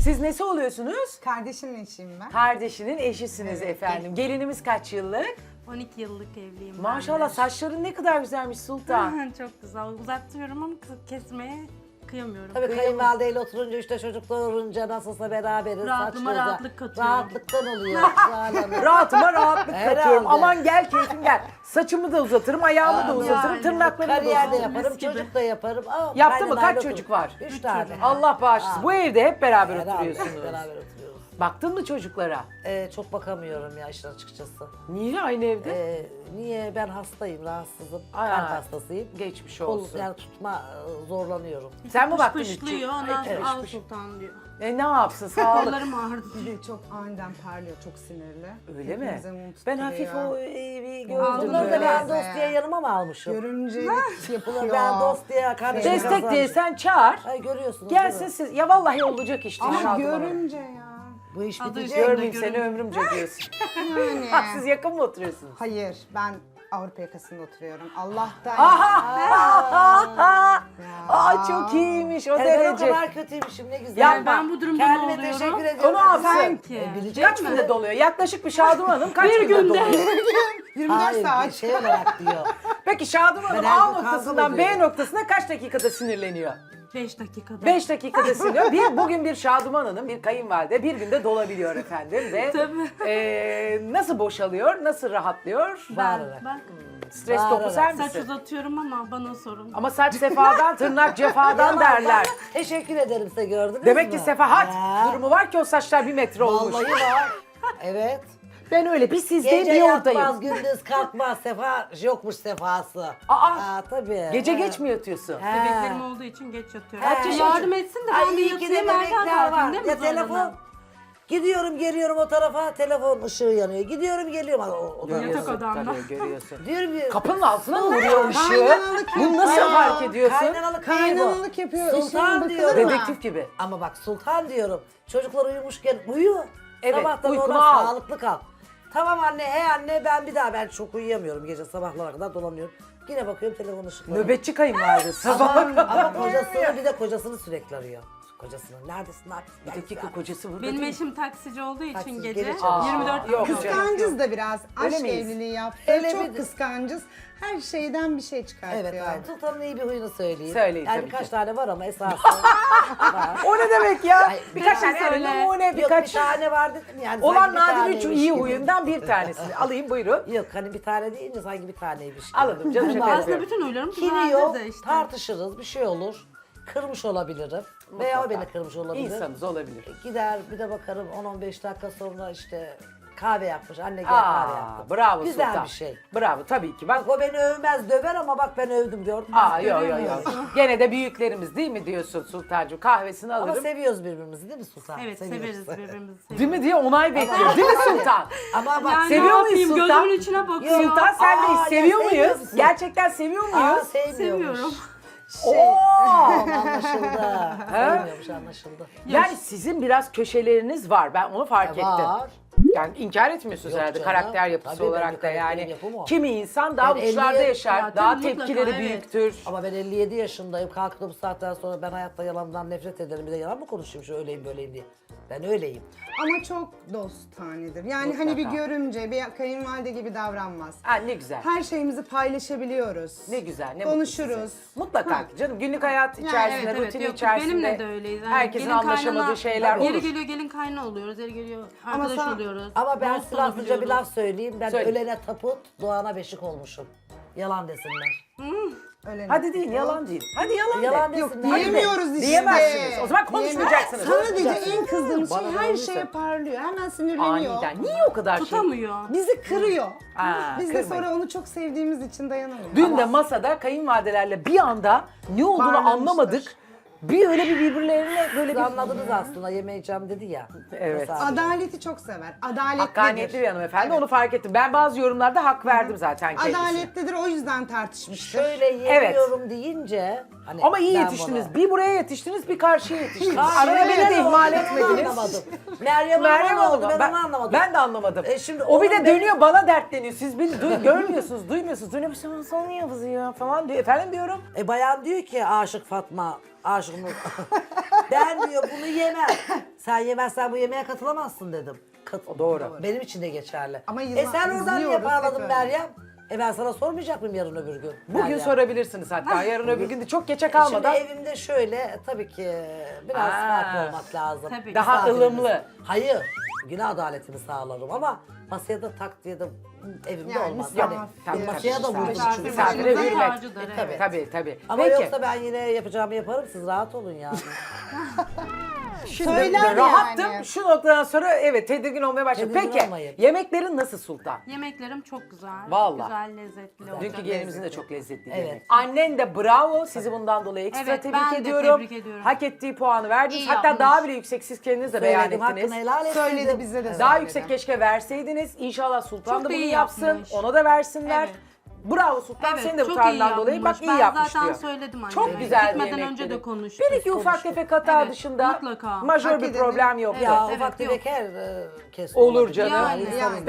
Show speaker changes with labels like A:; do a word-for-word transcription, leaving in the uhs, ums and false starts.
A: Siz nesi oluyorsunuz?
B: Kardeşimin eşiyim ben.
A: Kardeşinin eşisiniz
B: Evet.
A: efendim. Gelinimiz kaç yıllık?
C: on iki yıllık evliyim ben
A: Maşallah
C: de.
A: saçların ne kadar güzelmiş Sultan.
C: Çok güzel. Uzatıyorum ama kı- kesmeye kıyamıyorum.
D: Tabii kayınvalideyle oturunca işte çocuk doğurunca nasılsa beraberiz.
C: Rahatlıma
D: saçlarız da-
C: rahatlık katıyorum.
D: Rahatlıktan oluyor. Zuhal Hanım.
A: Rahatıma rahatlık
D: Herhalde.
A: katıyorum. Aman gel keyfim gel. Saçımı da uzatırım, ayağımı da
D: Aa,
A: uzatırım,
C: yani.
A: tırnaklarımı da
D: Kariyer de
A: uzatırım.
D: yaparım,
C: Mis gibi.
D: çocuk da yaparım. Aa,
A: Yaptı mı?
D: kaynanayla
A: Kaç
D: otur-
A: çocuk var?
D: Üç tane.
A: Allah bağışlasın. Bu evde hep beraber
D: Beraber,
A: oturuyorsunuz.
D: beraber oturuyoruz.
A: Baktın mı çocuklara?
D: Ee, çok bakamıyorum ya işin açıkçası.
A: Niye aynı evde?
D: Ee, niye? Ben hastayım, rahatsızım.
A: Aa,
D: Kalp hastasıyım.
A: Geçmiş
D: Kol,
A: olsun.
D: yani tutma e, zorlanıyorum.
A: Sen mi
C: Pış
A: baktın
C: pışlıyor,
A: üç-
C: ondan
A: Evet,
C: sonra al
A: pış.
C: sultan diyor.
A: E ne yapsın sağlık.
C: Kollarım ağrıdı.
B: Bir de çok aniden parlıyor, çok sinirli.
A: Öyle mi?
B: Hepimize mum
A: Ben
B: tutturuyor.
A: hafif o evi
C: Aldım
A: gördüm.
D: Bunları da
A: böyle.
D: ben dost diye yanıma mı almışım?
B: Görümcelik
D: Bunları
B: yapıyor.
D: ben dost diye kardeşim
A: Destek diye sen çağır.
D: Ay görüyorsunuz.
A: Gelsin
D: değil mi?
A: siz. Ya vallahi olacak işte.
B: Ama
A: Şadıman Hanım.
B: görümce ya.
D: Bu iş
C: Adı
D: bitecek.
C: üstünde.
A: Görmeyeyim seni
C: Görün.
A: ömrümce diyorsun.
B: Yani.
A: Ha, siz yakın mı oturuyorsunuz?
B: Hayır, ben Avrupa yakasında oturuyorum. Allah'tan.
A: Aha! Aa çok iyiymiş o
D: Yani ben o
A: derece.
D: kadar kötüymüşüm ne güzel.
A: Ya
C: ben bu durumda
D: Kendime
C: ne oluyorum?
D: teşekkür ediyorum.
A: Onu alsın.
C: Sanki.
D: E, bilecek
A: Kaç
D: mi?
A: günde doluyor? Yaklaşık bir Şadıman Hanım kaç
C: Bir
A: günde
C: günde.
A: doluyor?
B: yirmi dört
D: Hayır,
B: saat.
D: bir şey olarak diyor.
A: Peki Şadıman Hanım
D: Ben her
A: A
D: gün kavga
A: noktasından B
D: ediyorum.
A: noktasına kaç dakikada sinirleniyor?
C: beş dakikada.
A: beş dakikada sinirleniyor. Bir, bugün bir Şadıman Hanım, bir kayınvalide bir günde dolabiliyor efendim. Ve
C: Tabii.
A: e, nasıl boşalıyor, nasıl rahatlıyor?
C: Ben,
D: Bağırarak.
C: bak
A: Stres
D: Bağırarak.
A: topu sen
C: saç
A: misin?
C: uzatıyorum ama bana sorun.
A: Ama saç sefadan, tırnak cefadan
D: Yalan,
A: derler.
D: ben Teşekkür ederim size gördünüz
A: Demek
D: mü?
A: ki sefahat
D: Ya,
A: durumu var ki o saçlar bir metre olmuş.
D: Vallahi var. Evet.
A: Ben öyle bir sizdeyim
D: Gece
A: bir
D: yatmaz,
A: oradayım.
D: gündüz kalkmaz. Sefa yokmuş sefası.
A: Aa,
D: Aa tabii.
A: gece
D: Ha.
A: geç mi yatıyorsun?
D: He.
C: Bebeklerim olduğu için geç yatıyorum.
D: Kaç
C: Ya
D: yaşın-
C: yardım etsin de
D: Ay
C: ben de
D: iyi ki de
C: yatayım erken
D: bebekler var.
C: kalkayım değil mi
D: Ya telefon.
C: zorlanan?
D: Gidiyorum geliyorum o tarafa telefon ışığı yanıyor. Gidiyorum geliyorum. O, o, o,
C: Yatak odamda.
A: Tabii görüyorsun.
D: diyorum ki.
A: Kapının altına mı vuruyor ışığı?
B: Kaynanalık
A: Bunu nasıl
B: yapıyor.
A: fark ediyorsun?
D: Kaynanalık değil bu.
B: Kaynanalık yapıyor.
D: Sultan
B: Sultan
D: diyorum.
B: diyorum.
A: Dedektif gibi.
D: Ama bak sultan diyorum. Çocuklar uyumuşken uyu.
A: Evet,
D: Sabahtan
A: uykunu
D: ona
A: al.
D: sağlıklı kal. Tamam anne, he anne ben bir daha ben çok uyuyamıyorum gece sabahlara kadar dolanıyorum. Yine bakıyorum telefon ışıkları.
A: Nöbetçi kayınvalide sabah.
D: Ama, ama kocasını bir de kocasını sürekli arıyor. Kocasını neredesin neredesin?
A: Bir dakika kocası burada
C: Benim
A: değil.
C: eşim taksici olduğu için
D: Taksici,
C: gece
D: gece çalışıyor.
C: yirmi dört
A: Yok
C: saat.
A: canım.
B: Kıskancız da biraz.
A: Öyle
B: Aşk
A: miyiz?
B: evliliği yaptı.
D: Öyle
B: Çok
D: bir-
B: kıskancız. Her şeyden bir şey çıkartıyor.
D: Evet aynen. Sultan'ın iyi bir huyunu söyleyeyim.
A: Söyleyin
D: yani
A: tabii
D: birkaç
A: ki.
D: tane var ama esası var.
A: O ne demek ya?
D: Ay,
A: Birkaç
C: söyle.
A: tane yani numune
D: Yok
A: birkaç.
D: bir tane var dedim yani.
A: Olan
D: sanki bir
A: nadir üç
D: taneymiş
A: iyi
D: gibi.
A: huyundan bir tanesi. Alayım buyurun.
D: Yok hani bir tane deyince sanki bir taneymiş gibi.
A: Anladım canım şaka
C: Aslında
A: yapıyorum.
C: bütün huylarım
D: Kiri
C: vardır
D: yok,
C: da işte.
D: tartışırız, bir şey olur. Kırmış olabilirim. Veya o beni kırmış olabilir.
A: İnsanız olabilir.
D: Gider bir de bakarım on on beş dakika sonra işte kahve yapmış. Anne gel kahve
A: Aa,
D: yaptım.
A: bravo
D: Güzel
A: Sultan.
D: bir şey.
A: Bravo tabii ki. Bak
D: Bak o beni övmez döver ama bak ben övdüm gördün mü?
A: Aa yok yok
C: görüyor
A: yok. Gene de büyüklerimiz değil mi diyorsun Sultancığım? Kahvesini
D: Ama
A: alırım.
D: seviyoruz birbirimizi değil mi Sultan?
C: Evet
D: Seviyoruz.
C: severiz birbirimizi. Seviyoruz.
A: Değil mi diye onay bekliyor. Değil mi Sultan?
D: Ama bak
C: Yani
A: Seviyor
C: ne
A: muyuz
C: yapayım,
A: Sultan?
C: gözümün içine bakıyor.
A: Sultan sen de
D: Aa,
A: seviyor
D: ya seviyor
A: muyuz?
D: musun?
A: Gerçekten seviyor
D: Aa,
A: muyuz?
D: sevmiyormuş.
C: Seviyorum.
A: Oo!
D: Tamam, anlaşıldı. Sevmiyormuş anlaşıldı.
A: Yani sizin biraz köşeleriniz var. Ben onu fark ettim.
D: Var.
A: Yani inkar etmiyorsunuz
D: Yok
A: herhalde
D: canım.
A: karakter yapısı
D: Tabii,
A: olarak
D: benim
A: da yani.
D: karakterim yapımı o.
A: Kimi insan daha
D: Ben
A: uçlarda
D: elliye
A: yaşar,
C: Ya,
A: daha
C: tabii, mutlaka,
A: tepkileri
C: evet.
A: büyüktür.
D: Ama ben elli yedi yaşındayım. Kalktım bu saatten sonra ben hayatta yalandan nefret ederim. Bir de yalan mı konuşayım şu öyleyim böyleyim diye. Ben öyleyim.
B: Ama çok dostanedir. Yani hani bir
A: Mutlaka.
B: görümce, bir kayınvalide gibi davranmaz.
A: Ha ne güzel.
B: Her şeyimizi paylaşabiliyoruz.
A: Ne güzel, ne mutlu
B: Konuşuruz.
A: size. Mutlaka ki canım günlük hayat
B: Yani
A: içerisinde,
C: Evet evet
A: rutin
C: yok,
A: içerisinde
C: benimle de öyleyiz. Yani
A: herkesin
C: gelin
A: anlaşamadığı
C: kaynana-
A: şeyler
C: Yeri
A: olur.
C: geliyor gelin kayna oluyoruz, yeri geliyor
B: Ama
C: arkadaş
B: sen-
C: oluyoruz.
D: Ama ben
C: dost
D: silahlıca bir
C: olabiliyoruz.
D: laf söyleyeyim. Ben
A: Söyle.
D: ölene taput, doğana beşik olmuşum. Yalan desinler.
B: Öyle
A: Hadi deyin yalan değil. Hadi yalan,
D: Yalan
A: de.
B: Yok
D: desinler.
B: diyemiyoruz işte.
A: Diyemezsiniz. O zaman konuşmayacaksınız.
B: Sadece en kızdığımız
A: Bana
B: şey
A: ne
B: her
A: olursa.
B: şeye parlıyor. Hemen sinirleniyor.
A: Aniden. Niye o kadar şey?
C: Tutamıyor.
B: Bizi kırıyor.
A: Aa,
B: Biz de
A: kırmayın.
B: sonra onu çok sevdiğimiz için dayanamıyoruz.
A: Dün de masada kayınvalidelerle bir anda ne olduğunu
B: Bağırmıştır.
A: anlamadık. Bir öyle bir birbirlerine böyle
D: Siz
A: bir...
D: anladınız aslında yemeyeceğim dedi ya.
A: Evet.
D: Mesela-
B: Adaleti çok sever. Adaletlidir.
A: Hakkaniyetli bir hanımefendi
B: Evet.
A: onu fark ettim. Ben bazı yorumlarda hak verdim zaten kendisine.
B: Adaletlidir, o yüzden tartışmıştır.
D: Şöyle yemiyorum deyince. Hani
A: Ama iyi
D: ben
A: yetiştiniz.
D: bunu-
A: Bir buraya yetiştiniz, bir karşıya yetiştiniz.
D: Karşıya
A: Arada beni de
D: ne
A: ihmal
D: oldu? Ben
A: etmediniz.
D: anlamadım. Meryem,
A: Meryem
D: Hanım
A: oldu.
D: oldu. Ben,
A: Ben,
D: onu anlamadım.
A: ben de anlamadım.
D: E şimdi
A: o bir
D: onun
A: de
D: benim-
A: dönüyor bana dertleniyor. Siz beni duy- görmüyorsunuz, duymuyorsunuz. Dönüyor bir şey sana niye kızıyor falan diyor. Efendim diyorum.
D: E bayan diyor ki aşık Fatma, aşık Nur. Ben diyor bunu yemem. Sen yemezsen bu yemeğe katılamazsın dedim. Kat
A: O doğru.
D: Benim için de geçerli.
B: Ama
D: e
B: yılan-
D: sen oradan niye
B: izliyoruz,
D: bağladın
B: hep
D: Meryem? E ben sana sormayacak mıyım yarın öbür gün?
A: Bugün
D: Meryem?
A: sorabilirsiniz hatta. Yarın öbür gün de çok geçe
D: Şimdi
A: kalmadan.
D: evimde şöyle tabii ki biraz
A: Aa.
D: farklı olmak lazım.
C: Tabii.
A: Daha
D: Misafirimiz-
A: ılımlı.
D: Hayır. Günah adaletini sağlarım ama masaya da tak diye de evimde
B: Yani
D: olmaz.
B: misafir-
D: Hani
A: Tabii,
D: masaya da
A: tabii,
D: vurdum
A: misafir-
D: çünkü.
A: Misafire
C: Başımızın
A: hürmet.
C: tacıdır,
A: E,
C: evet.
A: Tabii tabii. tabii.
D: Ama
A: Peki.
D: yoksa ben yine yapacağımı yaparım, siz rahat olun yani.
A: Şimdi
B: Söyler
A: rahattım.
B: yani.
A: Şu noktadan sonra evet tedirgin olmaya başladım.
D: Tedirgin
A: Peki
D: olmayın.
A: yemeklerin nasıl Sultan?
C: Yemeklerim çok güzel.
A: Vallahi.
C: Güzel, lezzetli olacak.
A: Dünkü gelinimizin de çok lezzetli
D: Evet.
A: yemek. Annen de bravo. Sizi bundan dolayı ekstra
C: Evet,
A: tebrik
C: ben de
A: ediyorum.
C: tebrik ediyorum.
A: Hak ettiği puanı verdiniz.
C: İyi
A: Hatta
C: yapmış.
A: daha bile yüksek siz kendiniz de beyan
D: Söyledim, hakkını
A: ettiniz.
D: helal etsin.
B: Söyledi bize de
A: Daha
B: söyledi.
A: yüksek keşke verseydiniz. İnşallah Sultan
C: Çok
A: da
C: da
A: bunu
C: iyi
A: yapsın.
C: yapmış.
A: Ona da versinler.
C: Evet.
A: Bravo Sultan.
C: Evet,
A: Senin de bu
C: çok iyi
A: tarzından dolayı bak
C: yapmış.
A: iyi
C: Ben
A: yapmış
C: zaten
A: diyor.
C: söyledim anneme.
A: Çok güzel bir
C: Gitmeden
A: yemek
C: önce
A: dedi.
C: de konuştuk.
A: Bir iki ufak tefek hata
C: Evet,
A: dışında
C: mutlaka.
A: majör
B: Hak
A: bir
B: edeni-
A: problem yok.
C: Evet,
D: Ya
C: evet,
D: ufak
C: yok.
D: tefek her e, kes
A: Olur
D: olabilir.
A: canım.
C: Yani,
D: insanız
B: yani.